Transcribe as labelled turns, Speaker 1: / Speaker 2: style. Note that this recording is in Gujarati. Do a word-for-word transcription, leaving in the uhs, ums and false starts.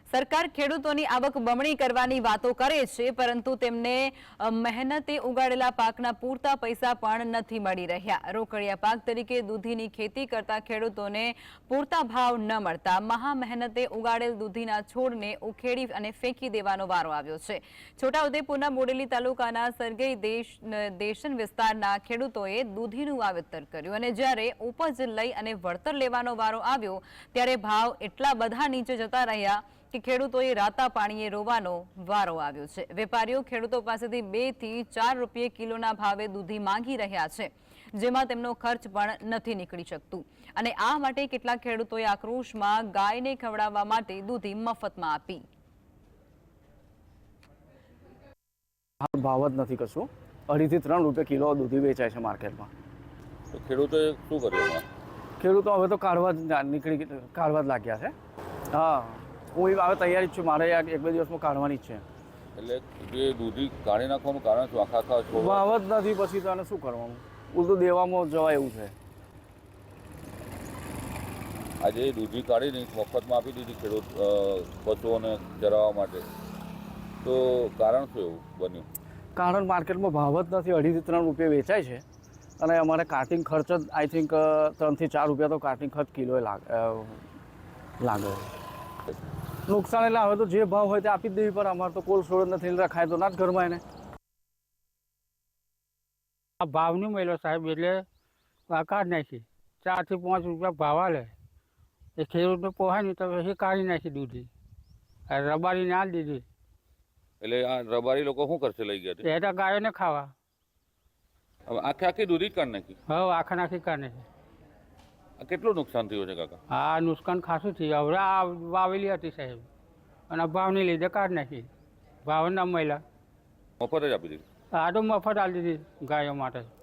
Speaker 1: સરકાર ખેડૂતોની આવક બમણી કરવાની વાતો કરે છે, પરંતુ તેમને મહેનતે ઉગાડેલા પાકના પૂરતા પૈસા પણ નથી મળી રહ્યા। રોકડિયા પાક તરીકે દૂધીની ખેતી કરતા ખેડૂતોને પૂરતા ભાવ ન મળતા મહા મહેનતે ઉગાડેલ દૂધીના છોડને ઉખેડી અને ફેંકી દેવાનો વારો આવ્યો છે। છોટાઉદેપુરના બોડેલી તાલુકાના સરગઈ દેશ દેશન વિસ્તારના ખેડૂતોએ દૂધીનું વાવેતર કર્યું અને જ્યારે ઉપજ લઈ અને વળતર લેવાનો વારો આવ્યો ત્યારે ભાવ એટલા બધા નીચે જતા રહ્યા કે ખેડૂતોએ રાતા પાણીએ રોવાનો વારો આવ્યો છે। વેપારીઓ ખેડૂતો પાસેથી બે થી ચાર રૂપિયા કિલોના ભાવે દૂધી માંગી રહ્યા છે, જેમાં તેમનો ખર્ચ પણ નથી નીકળી શકતું અને આ માટે કેટલાક ખેડૂતોએ આક્રોશમાં ગાયને ખવડાવવા માટે દૂધી મફતમાં આપી।
Speaker 2: ભાવ જ નથી કશું, અઢીથી ત્રણ રૂપિયા કિલો દૂધી વેચાય છે માર્કેટમાં।
Speaker 3: તો ખેડૂતોએ શું કર્યું?
Speaker 2: ખેડૂતો હવે તો કાઢવા જ નીકળી કાઢવા જ લાગ્યા છે। હા, હું હવે તૈયારી જ છું, મારે એક બે દિવસમાં કાઢવાની જ છે।
Speaker 3: એટલે જે દૂધી કાઢી નાખવાનું કારણ શું? આખા આખા છોડ
Speaker 2: ભાવ જ નથી, પછી તો આને શું કરવાનું? ઉલટું દેવામાં જવાય એવું છે।
Speaker 3: આજે દૂધી કાઢીને મફતમાં આપી દીધી ખેડૂત પશુઓને ચરાવવા માટે, તો કારણ શું એવું બન્યું?
Speaker 2: કારણ માર્કેટમાં ભાવ જ નથી, અઢીથી ત્રણ રૂપિયા વેચાય છે અને અમારે કાર્ટિંગ ખર્ચ જ આઈ થિંક ત્રણથી ચાર રૂપિયા તો કાર્ટિંગ ખર્ચ કિલોએ લાગે લાગે નુકસાન એટલે હવે તો જે ભાવ હોય તે આપી જ દેવી પડે। અમારે તો કોલ્ડ સ્ટોરેજ નથી, રખાય તો ના જ ઘરમાં એને।
Speaker 4: આ ભાવ નહીં મળ્યો સાહેબ, એટલે કાઢી નાખી ચારથી પાંચ રૂપિયા ભાવ આલે એ ખેડૂતને પોહાય નહીં તો એ કાઢી નાખી દૂધી, રબારી ના દીધી।
Speaker 3: એટલે આ રબારી લોકો શું કરશે લઈ ગયા?
Speaker 4: એ તો ગાયોને ખાવા।
Speaker 3: હવે આખે આખી દૂધી જ કાઢી નાખી?
Speaker 4: હવે આખા નાખી કાઢી નાખી।
Speaker 3: આ કેટલું નુકસાન થયું છે કાકા?
Speaker 4: હા, નુકસાન ખાસું થયું। હવે આ વાવેલી હતી સાહેબ અને ભાવની લીધે કાઢી નાખી, ભાવ ના મળ્યા,
Speaker 3: મફત જ આપી દીધી?
Speaker 4: આ તો મફત આપી દીધી ગાયો માટે।